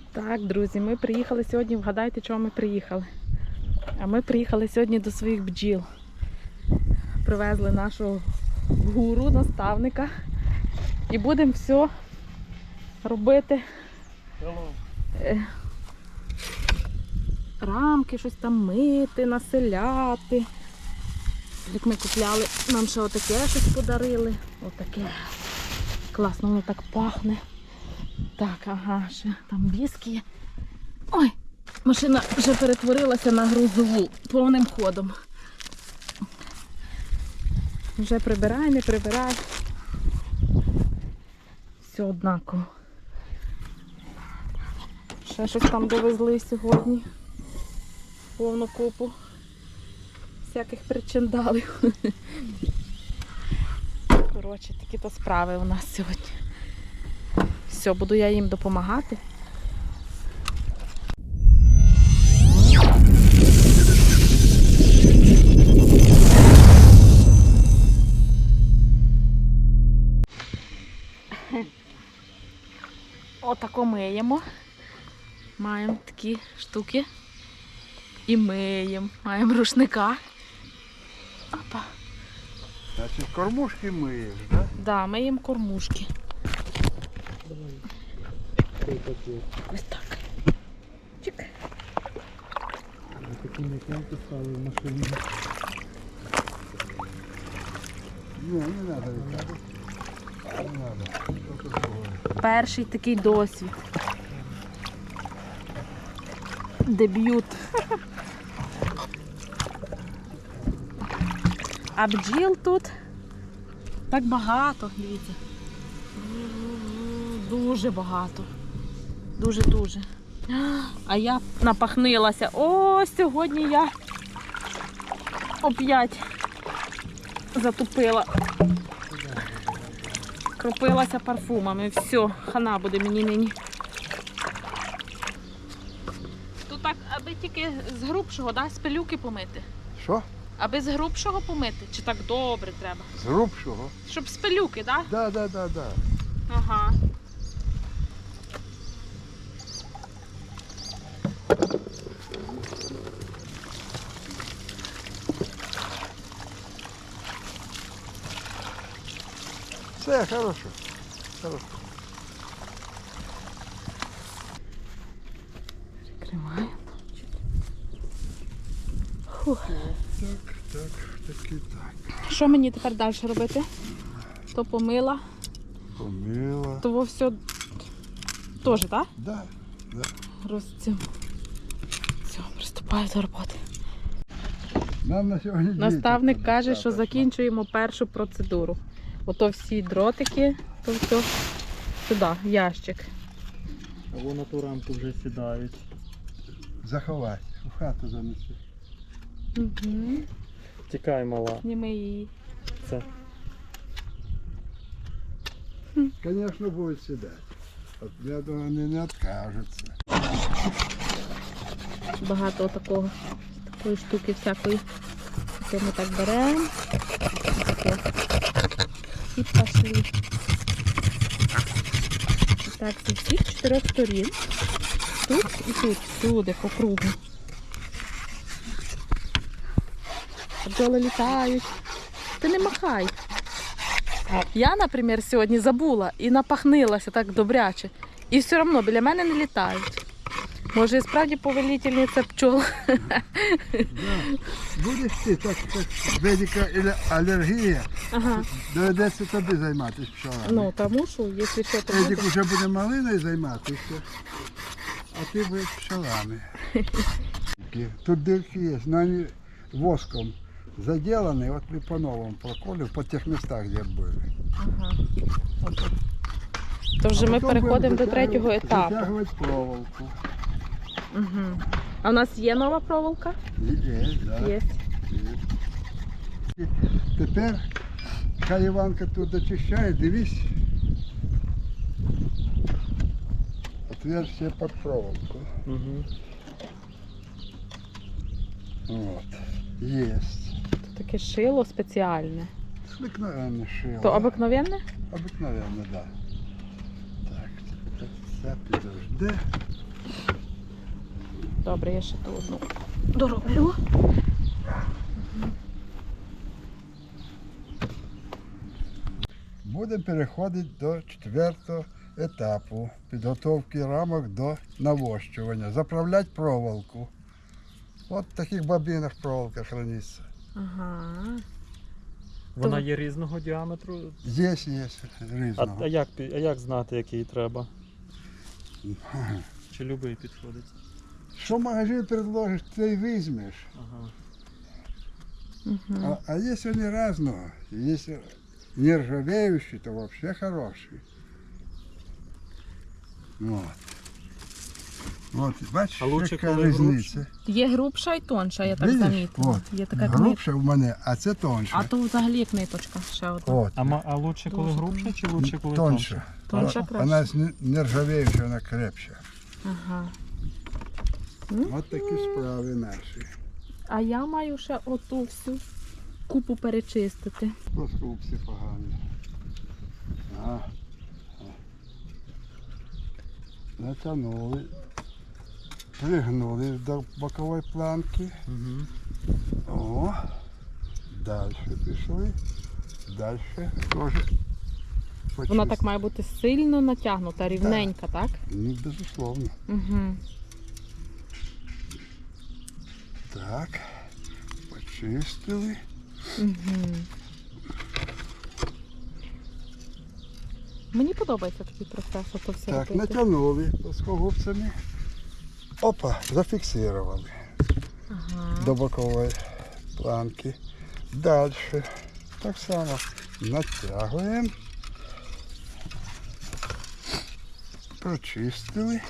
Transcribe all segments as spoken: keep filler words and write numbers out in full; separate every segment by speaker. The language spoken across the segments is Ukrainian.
Speaker 1: Так, друзі, ми приїхали сьогодні, вгадайте, чого ми приїхали. А ми приїхали сьогодні до своїх бджіл. Привезли нашого гуру, наставника. І будемо все робити. Е, рамки, щось там мити, населяти. Як ми купляли, нам ще отаке щось подарили. Отаке. Класно, воно так пахне. Так, ага, ще там віскі є. Ой, машина вже перетворилася на грузову повним ходом. Вже прибирай, не прибирай. Все однаково. Ще щось там довезли сьогодні. Повну купу всяких причиндалів. Коротше, такі-то справи у нас сьогодні. Все, буду я їм допомагати. Отако миємо. Маємо такі штуки. І миємо. Маємо рушника. Опа.
Speaker 2: Значить, кормушки миєш, так? Да?
Speaker 1: Да, миємо кормушки. Ось так. Чик.
Speaker 2: Такі м'якенькі стали в машині. Ні, не треба відтягати. Не треба.
Speaker 1: Перший такий досвід. Дебют. А бджіл тут так багато, дивіться. Дуже багато. Дуже-дуже. А я напахнилася. О, сьогодні я оп'ять затупила. Кропилася парфумами. Все, хана буде мені нині. Тут так, аби тільки з грубшого, да, з пилюки помити.
Speaker 2: Що?
Speaker 1: Аби з грубшого помити? Чи так добре треба?
Speaker 2: З грубшого?
Speaker 1: Щоб з пилюки, так? Да?
Speaker 2: Так, так, так, так.
Speaker 1: Ага.
Speaker 2: Все, хорошо. Хорошо.
Speaker 1: Прикриваємо. Фух.
Speaker 2: Так, так, так і так.
Speaker 1: Що мені тепер далі робити? То помила,
Speaker 2: Помила.
Speaker 1: то все теж, так?
Speaker 2: Да, да.
Speaker 1: Розцім. Все, приступаю до роботи.
Speaker 2: Нам на сьогодні
Speaker 1: Наставник
Speaker 2: діти
Speaker 1: каже, що
Speaker 2: достатньо.
Speaker 1: закінчуємо першу процедуру. Ото всі дротики, то все сюди, в ящик.
Speaker 3: Або на ту рамку вже сідають.
Speaker 2: Заховай, у хату занеси.
Speaker 1: Угу.
Speaker 3: Тікай, мала.
Speaker 1: Зніми її.
Speaker 3: Це.
Speaker 2: Звісно, будуть сідати. От, я думаю, вони не відкажуться.
Speaker 1: Багато такого, такої штуки всякої. Це ми так беремо. Таке. І пошли. Так, зі всіх чотирьох сторін. Тут і тут, всюди, по кругу. Бджоли літають. Ти не махай. Я, наприклад, сьогодні забула і напахнилася так добряче. І все одно біля мене не літають. Може і справді повелительниця пчол.
Speaker 2: Да. Будеш ти так, так, ведика алергія,
Speaker 1: Ага.
Speaker 2: доведеться тобі займатися пчолами.
Speaker 1: Ну, тому що, якщо що, то
Speaker 2: Едік
Speaker 1: буде.
Speaker 2: вже буде малиною займатися, а ти будеш пчелами. Тут дырки є, але вони воском заділені, от ми по-новому проколів, по тих містах, де були.
Speaker 1: Ага. Отут. То вже
Speaker 2: А
Speaker 1: ми
Speaker 2: потім
Speaker 1: переходимо до
Speaker 2: будемо
Speaker 1: третього етапу.
Speaker 2: Затягувати проволоку.
Speaker 1: Угу. А в нас є нова проволока?
Speaker 2: Є, да.
Speaker 1: Є.
Speaker 2: Є. Тепер, хай Іванка тут дочищає, дивись. Отверстие під проволоку.
Speaker 3: Угу.
Speaker 2: Вот. Есть.
Speaker 1: Таке шило спеціальне.
Speaker 2: Обыкновенное шило.
Speaker 1: То обикновенне?
Speaker 2: Обыкновенно, да. Так, це підожди.
Speaker 1: Добре, я ще ту одну дороблю.
Speaker 2: Будемо переходити до четвертого етапу підготовки рамок до навощування. Заправляти проволоку. От в таких бобінах проволока храниться.
Speaker 1: Ага.
Speaker 3: Вона
Speaker 1: То-
Speaker 3: є різного діаметру.
Speaker 2: Є, є
Speaker 3: А,
Speaker 2: різного.
Speaker 3: а, як, пі- а як знати, який треба?
Speaker 2: Ага.
Speaker 3: Чи любий підходить?
Speaker 2: Що магазин предложиш, ти й візьмеш.
Speaker 3: Ага.
Speaker 1: Угу.
Speaker 2: А, а есть они разного. Есть нержавеющие, то вообще хорошие. Вот. Вот, бачиш,
Speaker 3: А лучше,
Speaker 2: яка
Speaker 3: коли
Speaker 2: різниця.
Speaker 1: Є грубша і тонша, я так
Speaker 2: Видиш?
Speaker 1: замітила.
Speaker 2: От.
Speaker 1: Є така книжка.
Speaker 2: Грубша в мене, а це тоньше.
Speaker 1: А то взагалі як ниточка ще одна.
Speaker 2: От.
Speaker 3: А, ма- а лучше коли
Speaker 1: Дуже
Speaker 3: грубше чи лучше коли
Speaker 2: Тоньше.
Speaker 1: Тоньше
Speaker 3: Тоньше?
Speaker 1: краще.
Speaker 2: Вона з не- нержавеюща, вона крепша.
Speaker 1: Ага.
Speaker 2: От такі справи наші.
Speaker 1: А я маю ще оту всю купу перечистити.
Speaker 2: Плоскупці погані. А. А. Натягнули. Пригнули до бокової планки.
Speaker 3: Угу.
Speaker 2: О, далі пішли. Далі теж
Speaker 1: Вона
Speaker 2: почистили.
Speaker 1: так має бути сильно натягнута, рівненька, так?
Speaker 2: Ну, безусловно.
Speaker 1: Угу.
Speaker 2: Так, почистили.
Speaker 1: Угу. Мені подобається такий процес, ото все
Speaker 2: Так,
Speaker 1: робити.
Speaker 2: натягнули плоскогубцями. Опа, зафіксували
Speaker 1: Ага.
Speaker 2: до бокової планки. Далі так само натягуємо. Прочистили.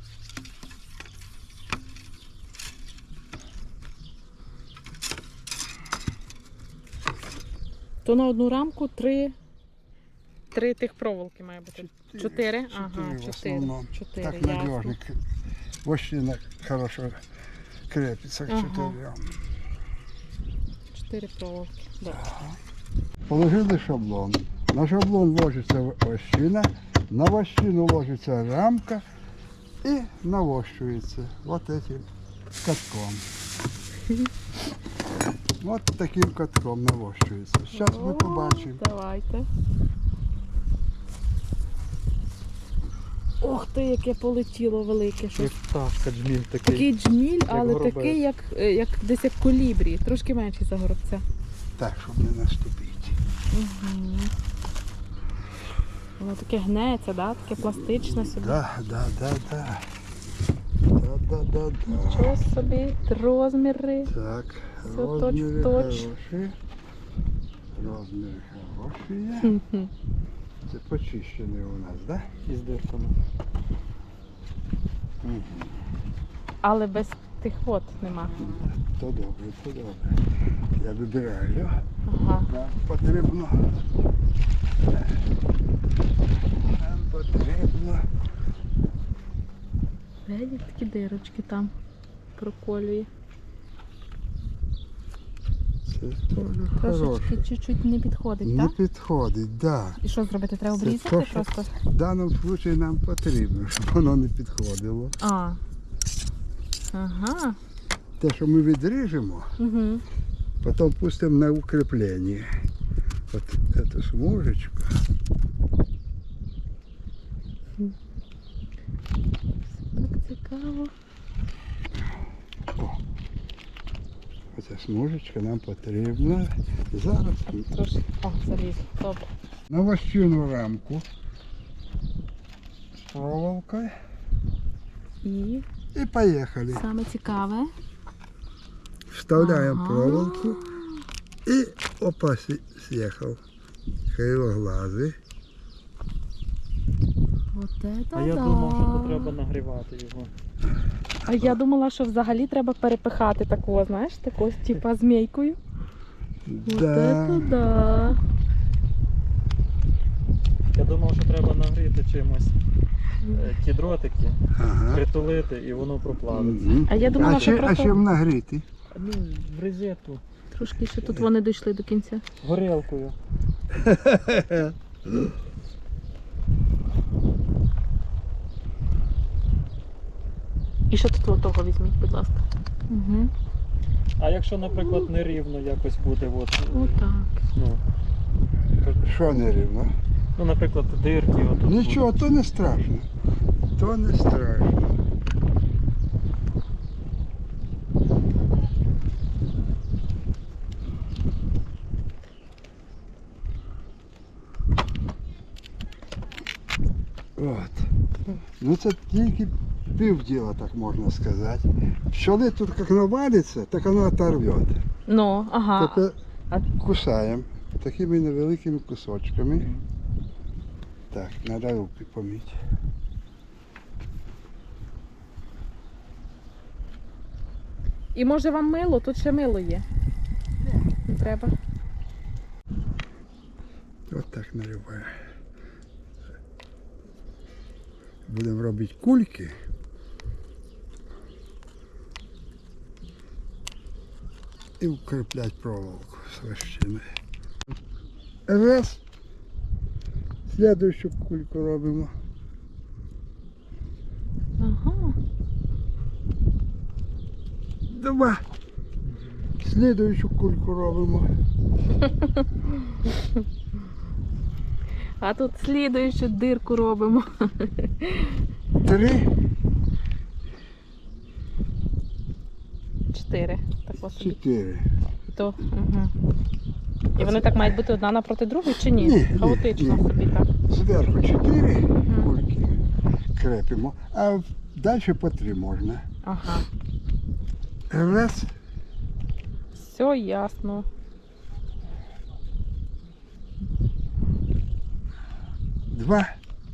Speaker 1: То на одну рамку три, три тих проволоки має бути. Чотири? Ага,
Speaker 2: Чотири в
Speaker 1: чотири.
Speaker 2: основному.
Speaker 1: Чотири,
Speaker 2: Так
Speaker 1: ясно.
Speaker 2: надежно. Вощина хорошо крепится к
Speaker 1: Ага.
Speaker 2: четырем.
Speaker 1: Чотири проволоки. Да.
Speaker 2: Положили шаблон. На шаблон ложится вощина, на вощину ложится рамка и навощивается вот этим катком. Вот таким катком навощується. Зараз ми
Speaker 1: О,
Speaker 2: побачимо.
Speaker 1: Давайте. Ох ти, яке полетіло велике
Speaker 3: Як
Speaker 1: щось.
Speaker 3: пташка, джміль такий.
Speaker 1: Такий джміль, але
Speaker 3: горобець.
Speaker 1: такий, як, е, як десь як колібрі, трошки менший за горобця.
Speaker 2: Так, щоб не наступити.
Speaker 1: Угу. Воно таке гнеться, да? Таке пластичне собі.
Speaker 2: Да, да, да, да. Да, да, да, да.
Speaker 1: Нічого собі, розміри.
Speaker 2: Так,
Speaker 1: Все
Speaker 2: розміри
Speaker 1: точ-в-точ.
Speaker 2: хороші. Розміри хороші є.
Speaker 1: Хм-хм.
Speaker 2: Це почищений у нас, так?
Speaker 3: Із дирками.
Speaker 2: Да? Угу.
Speaker 1: Але без тих вод нема.
Speaker 2: То добре, то добре. Я вибираю.
Speaker 1: Ага.
Speaker 2: Нам потрібно. Нам потрібно.
Speaker 1: Видіть, такі дирочки там проколює.
Speaker 2: Це теж
Speaker 1: Трошечки
Speaker 2: хороше.
Speaker 1: чуть-чуть не підходить,
Speaker 2: Не
Speaker 1: так?
Speaker 2: підходить, так.
Speaker 1: І що зробити? Треба
Speaker 2: Це
Speaker 1: обрізати
Speaker 2: то, що-
Speaker 1: просто?
Speaker 2: Да. В даному випадку нам потрібно, щоб воно не підходило.
Speaker 1: А. Ага.
Speaker 2: Те, що ми відріжемо,
Speaker 1: Угу.
Speaker 2: потім пустимо на укріплення. От цю смужечку.
Speaker 1: Так цікаво.
Speaker 2: О, оця смужечка нам потрібна. Зараз
Speaker 1: А трошки. О, заліз. Добре.
Speaker 2: на вощину рамку з проволокою.
Speaker 1: І
Speaker 2: І поїхали.
Speaker 1: саме цікаве.
Speaker 2: Вставляємо
Speaker 1: Ага.
Speaker 2: проволоку і опа, сі- з'їхав. Кривоглазий.
Speaker 1: От це
Speaker 3: А я
Speaker 1: да.
Speaker 3: думав, що то треба нагрівати його.
Speaker 1: А я думала, що взагалі треба перепихати такого, знаєш, такого типа змійкою. От
Speaker 2: Да.
Speaker 1: це да.
Speaker 3: Я думав, що треба нагріти чимось е, ті дротики,
Speaker 2: Ага.
Speaker 3: притулити і воно проплавиться.
Speaker 2: Мгм.
Speaker 1: А я думала,
Speaker 2: а,
Speaker 1: що
Speaker 2: чи, а
Speaker 1: просто-
Speaker 2: чим нагріти?
Speaker 3: Ну, в розетку.
Speaker 1: Трошки ще тут вони дійшли до кінця.
Speaker 3: Горілкою.
Speaker 1: І ще тут того візьміть, будь ласка. Угу.
Speaker 3: А якщо, наприклад, нерівно якось буде, от,
Speaker 1: Отак.
Speaker 3: ну,
Speaker 2: Що не рівно?
Speaker 3: ну, наприклад, дирки отут.
Speaker 2: Нічого, то не страшно. То не страшно. От. Ну це тільки півділа, так можна сказати. Пчели тут як навалиться, так воно оторвет.
Speaker 1: Ну, ага.
Speaker 2: Тепер
Speaker 1: А-
Speaker 2: кусаємо такими невеликими кусочками. Так, треба руки помити.
Speaker 1: І може вам мило? Тут ще мило є. Не треба.
Speaker 2: От так наливаю. Будемо робити кульки. І укріпляти проволоку з вощиною. Раз. Слідуючу кульку робимо.
Speaker 1: Ага.
Speaker 2: Два. Слідуючу кульку робимо.
Speaker 1: А тут слідуючу дирку робимо.
Speaker 2: Три.
Speaker 1: Чотири. Так ось собі.
Speaker 2: Чотири.
Speaker 1: То, угу. І вони так мають бути одна напроти другої чи ні?
Speaker 2: Ні, ні,
Speaker 1: Хаотично
Speaker 2: ні.
Speaker 1: собі так.
Speaker 2: Зверху чотири
Speaker 1: Мгм.
Speaker 2: кульки крепимо, а далі по три можна.
Speaker 1: Ага.
Speaker 2: Раз.
Speaker 1: Все ясно.
Speaker 2: Два.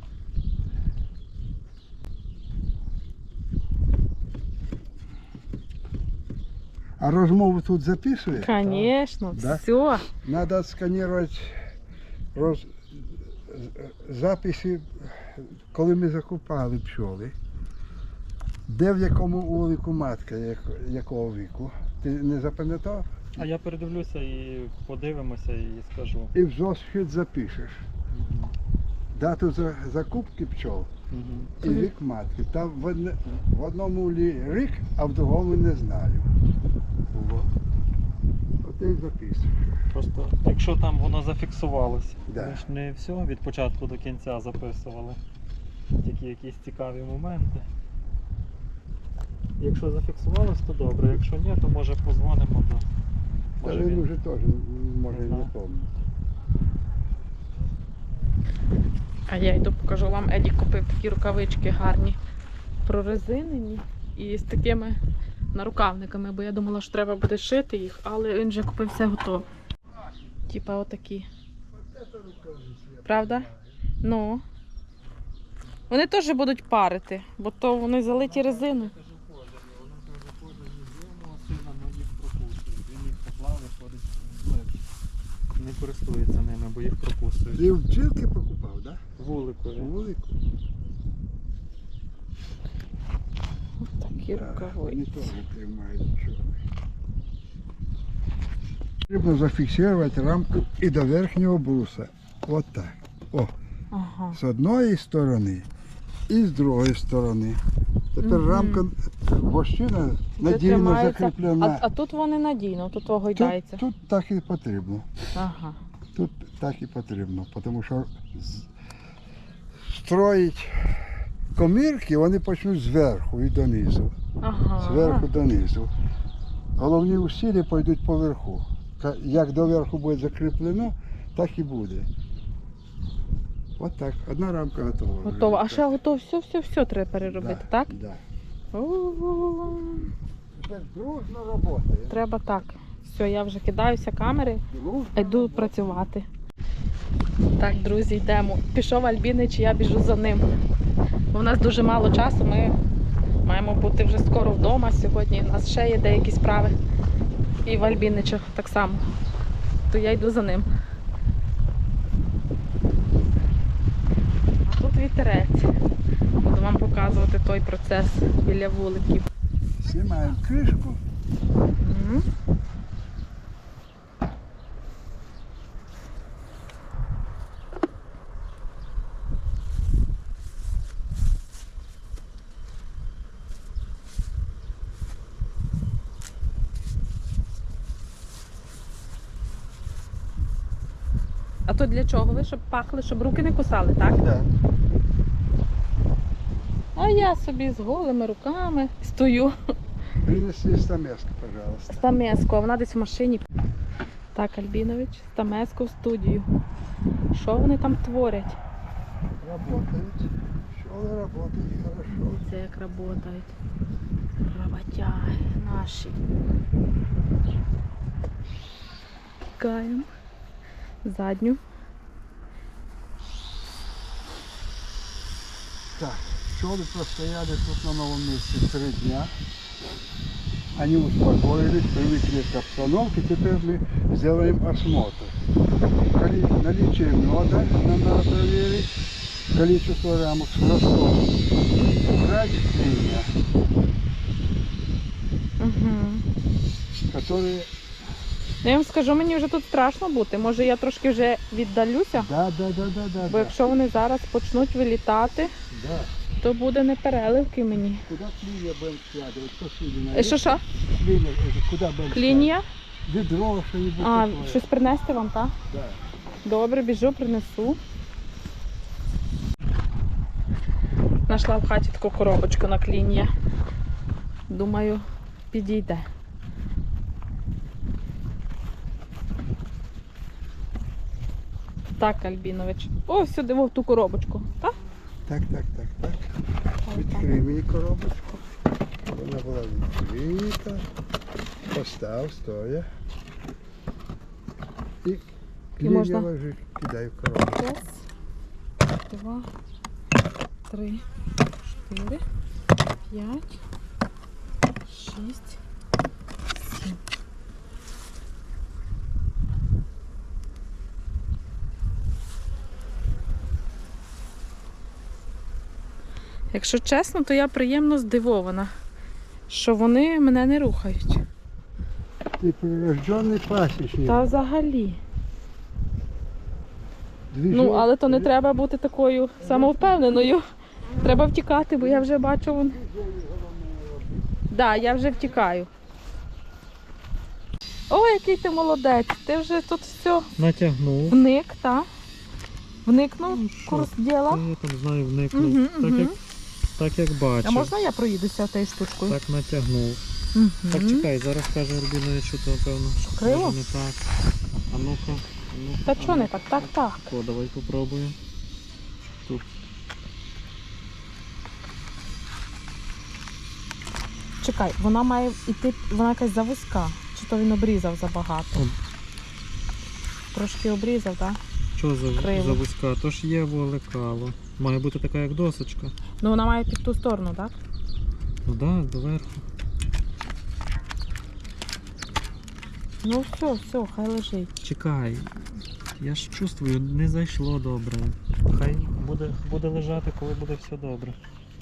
Speaker 2: А розмову тут записує?
Speaker 1: Звісно,
Speaker 2: Да?
Speaker 1: все.
Speaker 2: Надо сканувати роз... записи, коли ми закупали пчоли. Де в якому улику матка, як... якого віку. Ти не запам'ятав?
Speaker 3: А я передивлюся і подивимося і скажу.
Speaker 2: І в зошит запишеш.
Speaker 3: Мгм.
Speaker 2: Дату за... закупки пчол
Speaker 3: Мгм.
Speaker 2: і вік матки. Там в, одне... в одному лі- рік, а в другому не знаю. Було. От і записуєш.
Speaker 3: Просто якщо там воно зафіксувалося,
Speaker 2: Да.
Speaker 3: ми ж не все від початку до кінця записували. Тільки якісь цікаві моменти. Якщо зафіксувалось, то добре. Якщо ні, то може позвонимо до.
Speaker 2: Та
Speaker 3: Може
Speaker 2: він
Speaker 3: він.
Speaker 2: вже теж може і
Speaker 3: Не
Speaker 2: не
Speaker 3: знаю.
Speaker 2: пам'ятає.
Speaker 1: А я йду покажу вам. Еді купив такі рукавички гарні, прорезинені і з такими нарукавниками, бо я думала, що треба буде шити їх, але він вже купив все готове. Типа отакі. Правда? Ну. Вони теж будуть парити, бо то вони залиті резиною.
Speaker 3: Не користується ними, бо їх прокусують.
Speaker 2: Ти в бджілки покупав, так? Да?
Speaker 3: Вуликові.
Speaker 2: Вулику.
Speaker 1: Ось такі
Speaker 2: Так, вони
Speaker 1: рукавиці.
Speaker 2: теж тримають нічого. Потрібно зафіксувати рамку і до верхнього бруса. От так. О,
Speaker 1: Ага.
Speaker 2: з одної сторони і з другої сторони. Тепер
Speaker 1: Мгм.
Speaker 2: рамка вощина надійно
Speaker 1: тримається.
Speaker 2: закріплена.
Speaker 1: А, а тут вони надійно, тут того гойдається.
Speaker 2: Тут, тут так і потрібно.
Speaker 1: Ага.
Speaker 2: Тут так і потрібно, тому що з- строїть комірки, вони почнуть зверху і донизу.
Speaker 1: Ага.
Speaker 2: Зверху донизу. Головні усилля пойдуть поверху. Ка- Як доверху буде закріплено, так і буде. От так. Одна рамка готова. вже.
Speaker 1: Готово. А ще готово все-все-все треба переробити,
Speaker 2: Да,
Speaker 1: так?
Speaker 2: Да.
Speaker 1: О,
Speaker 2: Тепер дружно робота.
Speaker 1: треба так. Все, я вже кидаюся камери, йду працювати. Так, друзі, йдемо. Пішов Альбінич, я біжу за ним. Бо в нас дуже мало часу, ми маємо бути вже скоро вдома сьогодні. У нас ще є деякі справи. І в Альбіничах так само. То я йду за ним. А тут вітерець. Буду вам показувати той процес біля вуликів.
Speaker 2: Знімаємо кришку.
Speaker 1: Мгм. То для чого ви? Щоб пахли, щоб руки не кусали, так?
Speaker 2: Да.
Speaker 1: А я собі з голими руками стою.
Speaker 2: Принеси стамеску, пожалуйста.
Speaker 1: Стамеску, а вона десь в машині. Так, Альбінович, Стамеску в студію. Що вони там творять?
Speaker 2: Работает. Пчелы работают хорошо.
Speaker 1: Це як працюють. Роботяги наші. Каємо задню.
Speaker 2: Так, пчелы простояли тут на новом месте три дня. Они успокоились, привыкли к обстановке. Теперь мы сделаем осмотр. Коли- Наличие меда нам надо проверить. Количество рамок с ростом. Убрать клинья,
Speaker 1: Угу.
Speaker 2: которые...
Speaker 1: Я вам скажу, мені вже тут страшно бути. Може я трошки вже віддалюся,
Speaker 2: Да, да, да, да, да.
Speaker 1: бо
Speaker 2: да.
Speaker 1: якщо вони зараз почнуть вилітати,
Speaker 2: Да.
Speaker 1: то буде непереливки мені.
Speaker 2: Куда клинья будем складывать? Что клинья?
Speaker 1: Е, Що що?
Speaker 2: Клинья, это куда будем
Speaker 1: Клінія?
Speaker 2: складывать? Ведро, что-нибудь
Speaker 1: А,
Speaker 2: такое.
Speaker 1: щось принести вам, так?
Speaker 2: Да.
Speaker 1: Добре, біжу, принесу. Знайшла в хаті таку коробочку на клін'я. Думаю, підійде. Так, Альбінович. О, сюди в ту коробочку. Так?
Speaker 2: Так, так, так, так. Відкрий мені коробочку. Вона була відкрита. Постав, стоя. І клін'я
Speaker 1: можна?
Speaker 2: ложи, кидай в коробочку.
Speaker 1: Раз, два, три, чотири, п'ять, шість, сім. Якщо чесно, то я приємно здивована, що вони мене не рухають.
Speaker 2: Ти прирождений пасічник.
Speaker 1: Та взагалі.
Speaker 2: Двіжи-
Speaker 1: Ну, але то не треба бути такою самовпевненою. Треба втікати, бо я вже бачу вон. Так, да, я вже втікаю. О, який ти молодець! Ти вже тут все
Speaker 3: Натягнув.
Speaker 1: вник, так? Вникнув
Speaker 3: Ну,
Speaker 1: в
Speaker 3: що?
Speaker 1: курс
Speaker 3: Та
Speaker 1: діла.
Speaker 3: Я там знаю, вникнув.
Speaker 1: Угу,
Speaker 3: так,
Speaker 1: угу.
Speaker 3: як, так як бачив.
Speaker 1: А можна я проїдуся тією штучкою?
Speaker 3: Так натягнув.
Speaker 1: Угу.
Speaker 3: Так чекай, зараз каже Рубінович, що то певно.
Speaker 1: криво?
Speaker 3: може не так. А ну-ка. а ну-ка,
Speaker 1: Та
Speaker 3: а
Speaker 1: чого не
Speaker 3: ну-ка.
Speaker 1: так? Так, так.
Speaker 3: О, давай попробуємо. Тут.
Speaker 1: Чекай, вона має йти, вона якась завузька. Чи то він обрізав забагато?
Speaker 3: О.
Speaker 1: Трошки обрізав, так?
Speaker 3: Що за,
Speaker 1: Криво.
Speaker 3: за вузька? То ж є волекало. Має бути така, як досочка.
Speaker 1: Ну вона має під ту сторону, так?
Speaker 3: Ну так, да, доверху.
Speaker 1: Ну все, все, хай лежить.
Speaker 3: Чекай. Я ж чувствую, не зайшло добре. Хай буде, буде лежати, коли буде все добре.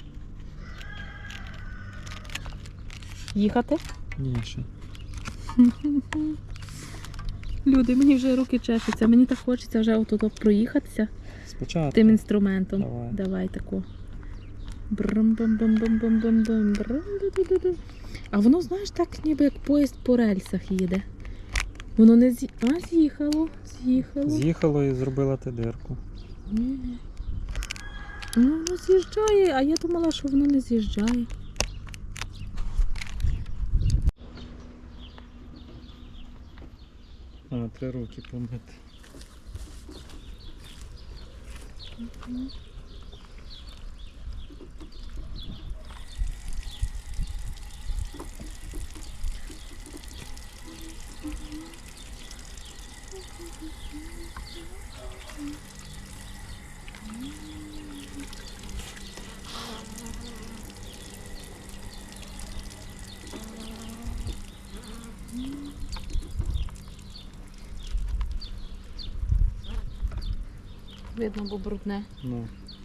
Speaker 1: Їхати?
Speaker 3: Ні, ще.
Speaker 1: Люди, мені вже руки чешуться, мені так хочеться вже отут проїхатися
Speaker 3: Спочатку.
Speaker 1: тим інструментом.
Speaker 3: Давай.
Speaker 1: Давай таку. брум бум бум бум бум бум бум брум ду ду ду А воно, знаєш, так ніби як поїзд по рельсах їде. Воно не з'ї... А, з'їхало, з'їхало.
Speaker 3: З'їхало і зробила ти дирку.
Speaker 1: Ні. Ну, воно з'їжджає, а я думала, що воно не з'їжджає.
Speaker 3: А, три руки помити.
Speaker 1: Видно, бо брудне.
Speaker 3: Ну.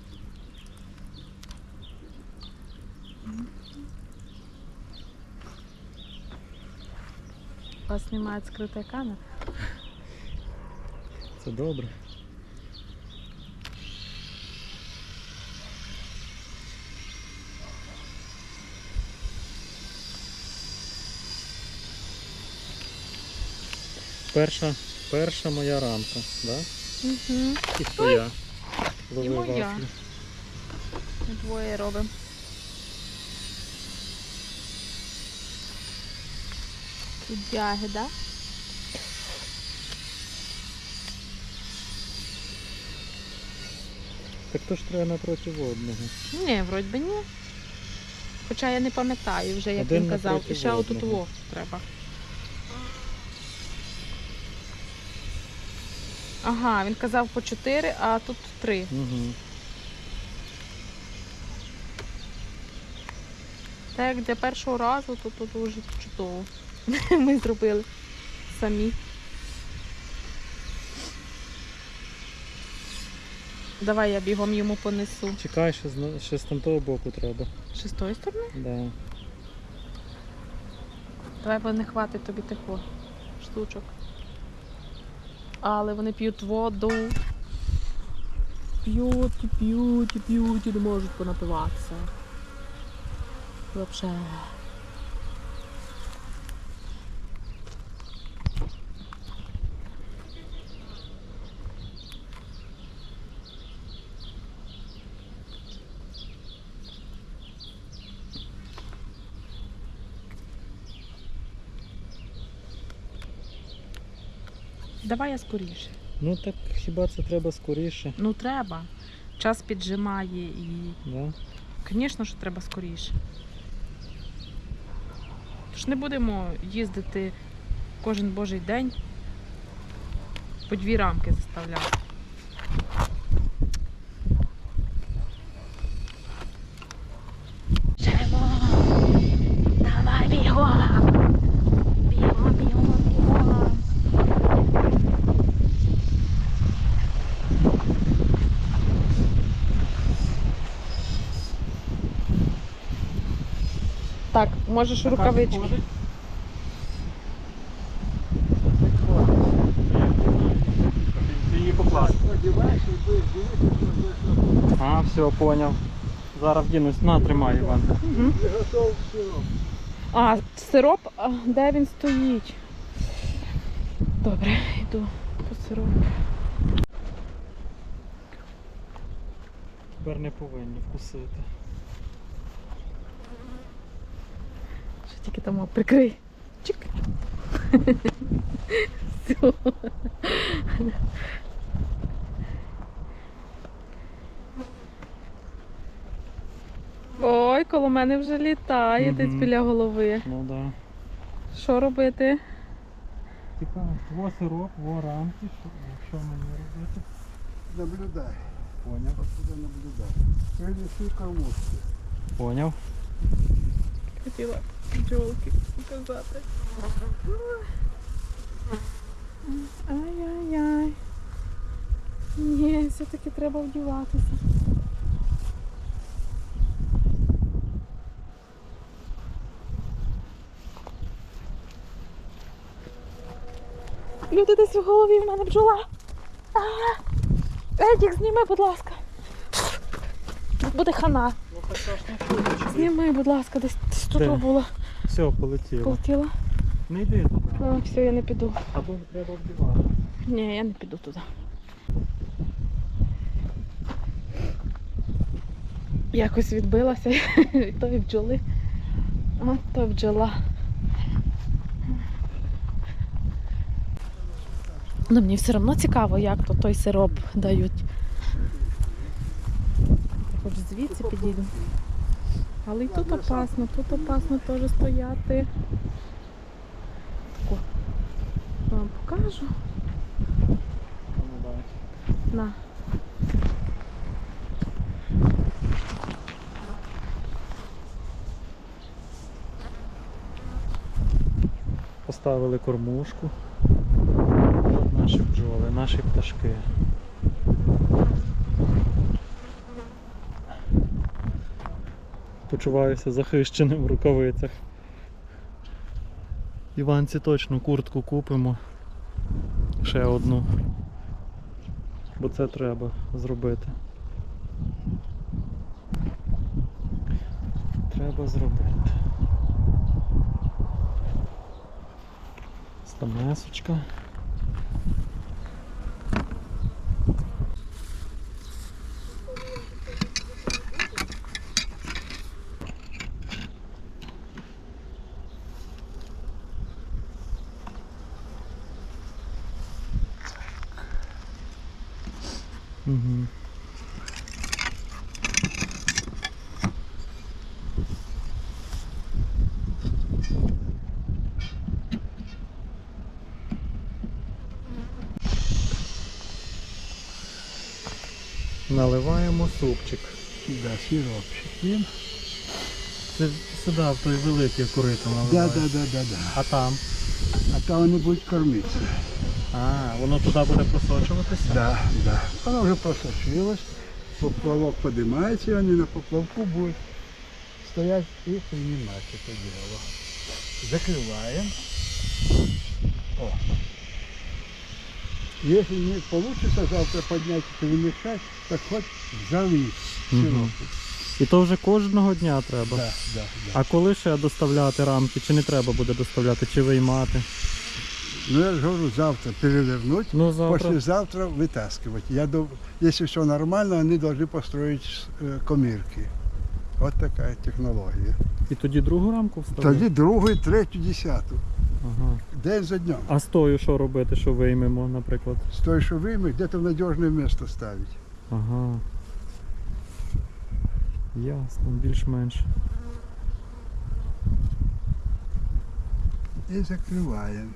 Speaker 1: У вас немає скритої камери?
Speaker 3: Це добре. Перша, перша моя рамка, да?
Speaker 1: Угу.
Speaker 3: І твоя. Лови
Speaker 1: моя.
Speaker 3: вафлю.
Speaker 1: Ми двоє робимо. Чудяги, да?
Speaker 3: Так то ж треба напроти одного.
Speaker 1: Ні, вроді би ні. Хоча я не пам'ятаю вже, як
Speaker 3: Один
Speaker 1: він казав.
Speaker 3: напроти
Speaker 1: І ще отут
Speaker 3: одного.
Speaker 1: во треба. Ага, він казав по чотири, а тут три.
Speaker 3: Угу.
Speaker 1: Так як для першого разу, то тут дуже чудово. Ми зробили самі. Давай я бігом йому понесу.
Speaker 3: Чекай, ще з, ще з там того боку треба.
Speaker 1: Ще з тої сторони?
Speaker 3: Да.
Speaker 1: Давай, бо не хватить тобі такого штучок. Але вони п'ють воду. П'ють, і п'ють, і п'ють, і не можуть понапиватися. Вообще. Давай я скоріше.
Speaker 3: Ну так хіба це треба скоріше?
Speaker 1: Ну треба. Час піджимає і,
Speaker 3: Да?
Speaker 1: звісно, що треба скоріше. Тож не будемо їздити кожен божий день по дві рамки заставляти. Живо! Давай бігом! Бігом, бігом, бігом! Так, можеш рукавички.
Speaker 3: Ти її поклав.
Speaker 2: Одіваєш і будеш дивитися, що
Speaker 3: А, все, поняв. Зараз вдінусь. На, тримай, Іван.
Speaker 1: Угу.
Speaker 2: ти готов сироп.
Speaker 1: А, сироп, а, де він стоїть? Добре, йду по сироп.
Speaker 3: Тепер не повинні вкусити.
Speaker 1: Що тільки там о, прикрий. Чик. Все. Ой, коло мене вже літає
Speaker 3: Мгм.
Speaker 1: десь біля голови.
Speaker 3: Ну да.
Speaker 1: Що робити?
Speaker 3: Типа, во сироп, во рамки. Що, що мені робити?
Speaker 2: Наблюдай.
Speaker 3: Поняв.
Speaker 2: Отсюда наблюдай. Принеси кормушки.
Speaker 3: Поняв.
Speaker 1: Хотіла бджолки показати. Ай-яй-яй. Ні, все-таки треба вдіватися. Люди, десь в голові в мене бджола. А, Едік, зніми, будь ласка. Буде хана.
Speaker 3: Ну так страшно.
Speaker 1: Зніми, будь ласка, десь, десь тут
Speaker 3: Де?
Speaker 1: була.
Speaker 3: Все, полетіло.
Speaker 1: Полетіла.
Speaker 3: Не йди туди.
Speaker 1: А, все, я не піду.
Speaker 3: Або треба вдівати.
Speaker 1: Ні, я не піду туди. Якось відбилася від тої бджоли. От то бджола. Ну, мені все одно цікаво, як то той сироп дають. Хоч звідси підійду. Але і тут опасно, тут опасно теж стояти. Тако. Вам покажу.
Speaker 3: Ну, да.
Speaker 1: На.
Speaker 3: Поставили кормушку. От наші бджоли, наші пташки. Почуваюся захищеним в рукавицях. Іванці точно куртку купимо. Ще одну. Бо це треба зробити. Треба зробити. Стамесочка. Угу. Наливаємо супчик.
Speaker 2: Да, сиропчик. Він.
Speaker 3: Це сюди, в той великий корито
Speaker 2: Да,
Speaker 3: наливаємо.
Speaker 2: да, да, да, да.
Speaker 3: А там?
Speaker 2: А там вони будуть кормитися.
Speaker 3: А, воно туди буде просочуватися?
Speaker 2: Да, да. Воно вже просочилось, поплавок поднимається, і вони на поплавку будуть стоять і приймати це діло. Закриваємо. О. Если не получится завтра поднять и перемешать, так хоть залить
Speaker 3: Мгм.
Speaker 2: сиропу.
Speaker 3: І то вже кожного дня треба.
Speaker 2: Да, да, да.
Speaker 3: А коли ще доставляти рамки? Чи не треба буде доставляти, чи виймати?
Speaker 2: Ну я же говорю, завтра перевернуть,
Speaker 3: Ну, завтра.
Speaker 2: послезавтра вытаскивать. Я думаю, если все нормально, они должны построить э, комірки. Вот такая технология.
Speaker 3: І тоді другу рамку вставити?
Speaker 2: Тоді другу, третю, десяту.
Speaker 3: Ага.
Speaker 2: День за днем.
Speaker 3: А з тою що робити, що виймемо, наприклад?
Speaker 2: С той, что вымыть, где-то в надежное место ставить.
Speaker 3: Ага. Ясно, більш-менш.
Speaker 2: И закрываем.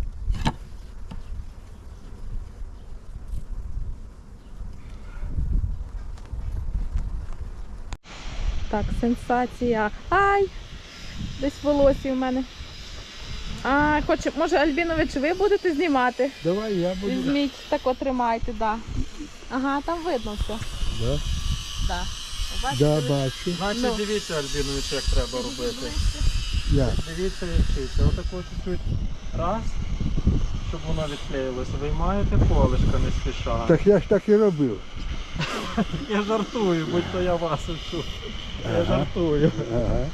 Speaker 1: Так, сенсація. Ай! Десь волосся в мене. А, хоче, може, Альбінович, ви будете знімати?
Speaker 2: Давай я буду.
Speaker 1: Візьміть, так от тримайте, да. Ага, там видно все.
Speaker 2: Да,
Speaker 1: Да. Бачите,
Speaker 2: да
Speaker 1: ви-
Speaker 2: бачу.
Speaker 3: Значить,
Speaker 1: Ну.
Speaker 3: дивіться, Альбінович, як треба робити.
Speaker 2: Я.
Speaker 3: Дивіться, як вчиться. Отако чуть-чуть раз, щоб воно відклеїлося. Виймаєте колишка не спіша.
Speaker 2: Так я ж так і робив.
Speaker 3: Я жартую, будь то я вас вчу. Я
Speaker 2: Ага.
Speaker 3: жартую.
Speaker 2: Ага.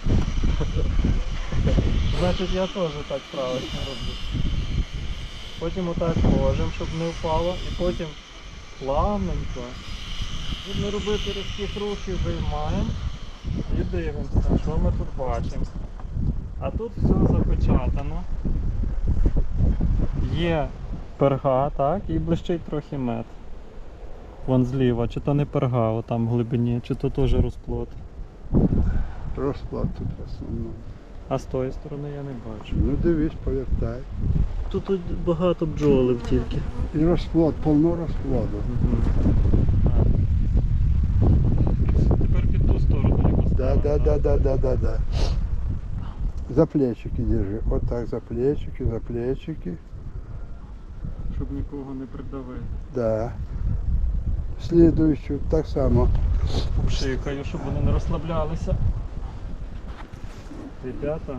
Speaker 3: Значить, я теж так правильно роблю. Потім отак ложимо, щоб не впало. І потім плавненько, щоб не робити різких рухів, виймаємо і дивимося, що ми тут бачимо. А тут все запечатано. Є перга, так, і блищить трохи мед. Вон зліва, чи то не перга, отам в глибині, чи то теж розплод.
Speaker 2: Розклад тут в основному.
Speaker 3: А з тої сторони я не бачу.
Speaker 2: Ну дивись, повертай.
Speaker 3: Тут, тут багато бджолів тільки.
Speaker 2: І розплод, повно розплоду.
Speaker 3: Тепер під ту сторону його
Speaker 2: Да,
Speaker 3: ставимо,
Speaker 2: да, да,
Speaker 3: так?
Speaker 2: да, да, да, да. За плечики держи. Вот так за плечики, за плечики.
Speaker 3: Щоб нікого не придавити.
Speaker 2: Да. Слідуючу так само.
Speaker 3: Пшикаю, щоб вони не розслаблялися. Ребята.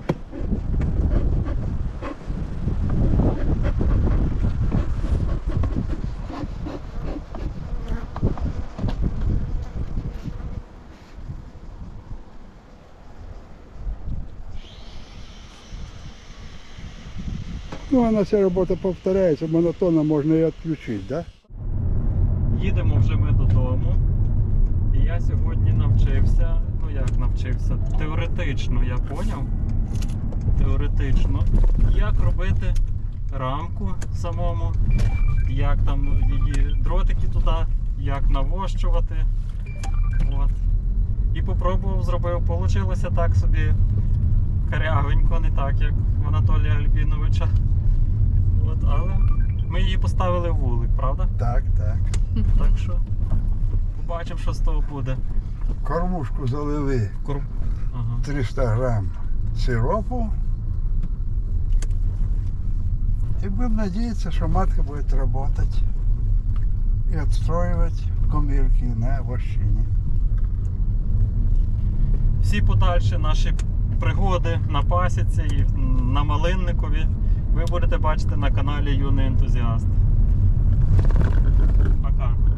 Speaker 2: Ну, она вся робота повторяється, монотонно можна і відключити, да?
Speaker 3: Їдемо вже ми додому. І я сьогодні навчився, ну як навчився, теоретично я поняв, теоретично, як робити рамку самому, як там її дротики туди, як навощувати. От. І попробував, зробив. Получилося так собі карявенько, не так, як в Анатолія Альбіновича. От, але ми її поставили в вулик, правда?
Speaker 2: Так, так.
Speaker 3: Так що побачимо, що з того буде.
Speaker 2: Кормушку залили
Speaker 3: Кор... Ага.
Speaker 2: триста грам сиропу. І будемо надіятися, що матка буде працювати і відстроювати комірки на вощині.
Speaker 3: Всі подальші наші пригоди на пасіці і на Малинникові ви будете бачити на каналі Юний Ентузіаст. Пока.